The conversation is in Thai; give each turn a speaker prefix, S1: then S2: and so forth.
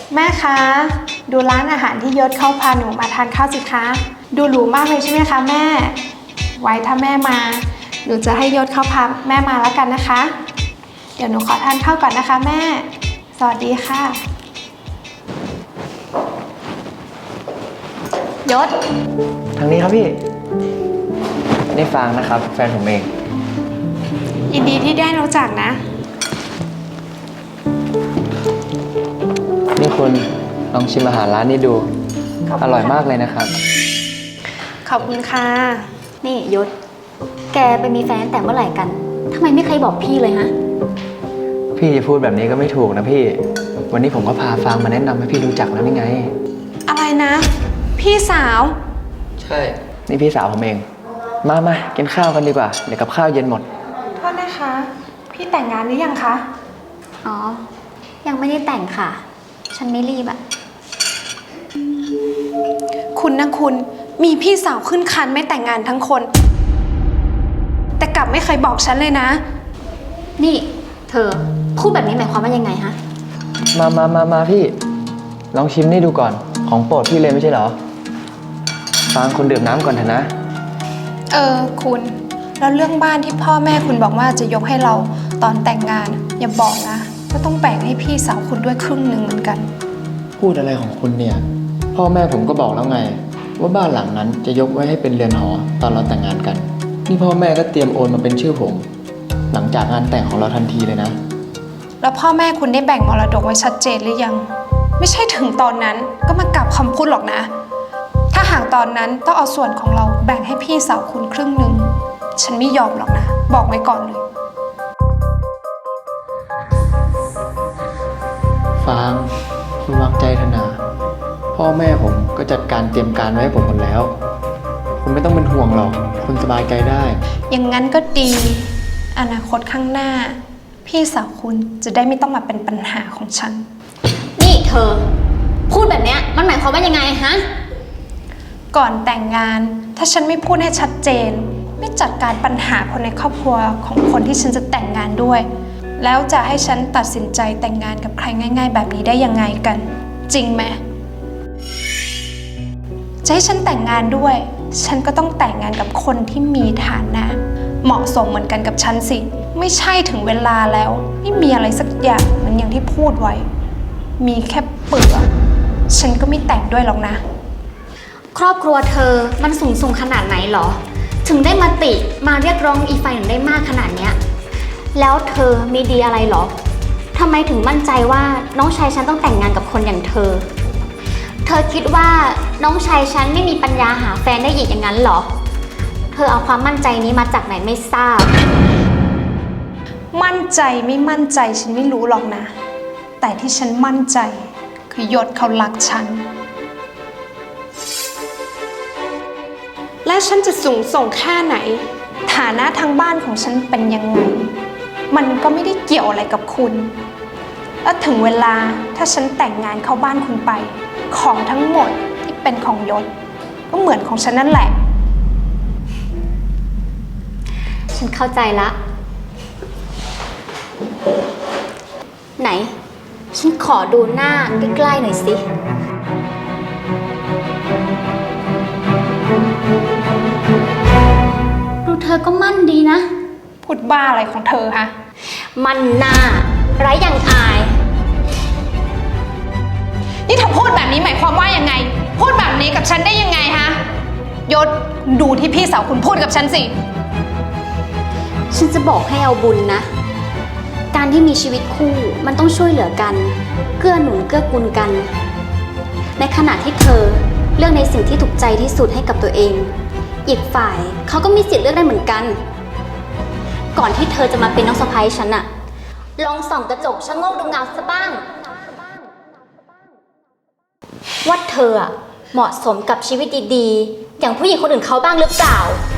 S1: แม่คะดูร้านอาหารที่ยศเข้าพาหนูมาทานข้าวสิคะดูหรูมากเลยใช่ไหมคะแม่ไว้ถ้าแม่มาหนูจะให้ยศเข้าพาแม่มาแล้วกันนะคะเดี๋ยวหนูขอทานข้าวก่อนนะคะแม่สวัสดีค่ะยศ
S2: ทางนี้ครับพี่นี่ฟางนะครับแฟนผมเอง
S1: ยินดีที่ได้รู้จักนะ
S2: นี่คุณลองชิมอาหารร้านนี้ดูอร่อยมากเลยนะครับ
S1: ขอบคุณค่ะ
S3: นี่ยศแกไปมีแฟนแต่เมื่อไหร่กันทำไมไม่เคยบอกพี่เลยฮะ
S2: พี่จะพูดแบบนี้ก็ไม่ถูกนะพี่วันนี้ผมก็พาฟางมาแนะนำให้พี่รู้จักแล้วนี่ไง
S1: อะไรนะพี่สาว
S2: ใช่นี่พี่สาวผมเองมากินข้าวกันดีกว่าเดี๋ยวกับข้าวเย็นหมด
S1: โทษนะคะพี่แต่งงานหรือยังคะ
S3: อ๋อยังไม่ได้แต่งค่ะฉันไม่รีบอะ
S1: คุณนะคุณมีพี่สาวขึ้นครรภ์ไม่แต่งงานทั้งคนแต่กลับไม่เคยบอกฉันเลยนะ
S3: นี่เธอพูดแบบนี้หมายความว่ายังไงฮะ
S2: มาพี่ลองชิมนี่ดูก่อนของโปรดพี่เลยไม่ใช่เหรอฟางคุณดื่มน้ำก่อนเถอะนะ
S1: คุณแล้วเรื่องบ้านที่พ่อแม่คุณบอกว่าจะยกให้เราตอนแต่งงานอย่าบอกนะว่าต้องแบ่งให้พี่สาวคุณด้วยครึ่งหนึ่งเหมือนกัน
S2: พูดอะไรของคุณเนี่ยพ่อแม่ผมก็บอกแล้วไงว่าบ้านหลังนั้นจะยกไว้ให้เป็นเรือนหอตอนเราแต่งงานกันนี่พ่อแม่ก็เตรียมโอนมาเป็นชื่อผมหลังจากงานแต่งของเราทันทีเลยนะ
S1: แล้วพ่อแม่คุณได้แบ่งมรดกไว้ชัดเจนหรือยังไม่ใช่ถึงตอนนั้นก็มากลับคำพูดหรอกนะถ้าหากตอนนั้นต้องเอาส่วนของเราแบ่งให้พี่สาวคุณครึ่งหนึ่งฉันไม่ยอมหรอกนะบอกไว้ก่อนเลย
S2: ฟางคุณวางใจเถอะนะพ่อแม่ผมก็จัดการเตรียมการไว้ให้ผมหมดแล้วคุณไม่ต้องเป็นห่วงหรอกคุณสบายใจได้
S1: อย่างนั้นก็ดีอนาคตข้างหน้าพี่สาวคุณจะได้ไม่ต้องมาเป็นปัญหาของฉัน
S3: นี่เธอพูดแบบนี้มันหมายความว่ายังไงฮะ
S1: ก่อนแต่งงานถ้าฉันไม่พูดให้ชัดเจนไม่จัดการปัญหาคนในครอบครัวของคนที่ฉันจะแต่งงานด้วยแล้วจะให้ฉันตัดสินใจแต่งงานกับใครง่ายๆแบบนี้ได้ยังไงกันจริงไหมจะให้ฉันแต่งงานด้วยฉันก็ต้องแต่งงานกับคนที่มีฐานะเหมาะสมเหมือนกันกับฉันสิไม่ใช่ถึงเวลาแล้วไม่มีอะไรสักอย่างเหมือนอย่างที่พูดไว้มีแค่เปลือกฉันก็ไม่แต่งด้วยหรอกนะ
S3: ครอบครัวเธอมันสูงขนาดไหนหรอถึงได้มาติมาเรียกร้องอีกฝ่ายหนึ่งได้มากขนาดเนี้ยแล้วเธอมีดีอะไรหรอทำไมถึงมั่นใจว่าน้องชายฉันต้องแต่งงานกับคนอย่างเธอคิดว่าน้องชายฉันไม่มีปัญญาหาแฟนได้อีกอย่างนั้นหรอเธอเอาความมั่นใจนี้มาจากไหนไม่ทราบ
S1: มั่นใจไม่มั่นใจฉันไม่รู้หรอกนะแต่ที่ฉันมั่นใจคือยศเขารักฉันและฉันจะสูงส่งแค่ไหนฐานะทางบ้านของฉันเป็นยังไงมันก็ไม่ได้เกี่ยวอะไรกับคุณและถึงเวลาถ้าฉันแต่งงานเข้าบ้านคุณไปของทั้งหมดที่เป็นของยศก็เหมือนของฉันนั่นแหละ
S3: ฉันเข้าใจละไหนฉันขอดูหน้าใกล้ๆหน่อยสิดูเธอก็มั่นดีนะ
S1: พูดบ้าอะไรของเธอฮะ
S3: มันหน้าไร้อย่างอาย
S1: นี่เธอพูดแบบนี้หมายความว่ายังไงพูดแบบนี้กับฉันได้ยังไงฮะยศดูที่พี่สาวคุณพูดกับฉันสิ
S3: ฉันจะบอกให้เอาบุญนะการที่มีชีวิตคู่มันต้องช่วยเหลือกันเกื้อหนุนเกื้อกูลกันในขณะที่เธอเลือกในสิ่งที่ถูกใจที่สุดให้กับตัวเองอีกฝ่ายเขาก็มีสิทธิ์เลือกได้เหมือนกันก่อนที่เธอจะมาเป็นน้องสะใภ้ฉันอะลองส่องกระจกชะโงกดูเงาซะบ้างว่าเธอเหมาะสมกับชีวิตดีๆอย่างผู้หญิงคนอื่นเขาบ้างหรือเปล่า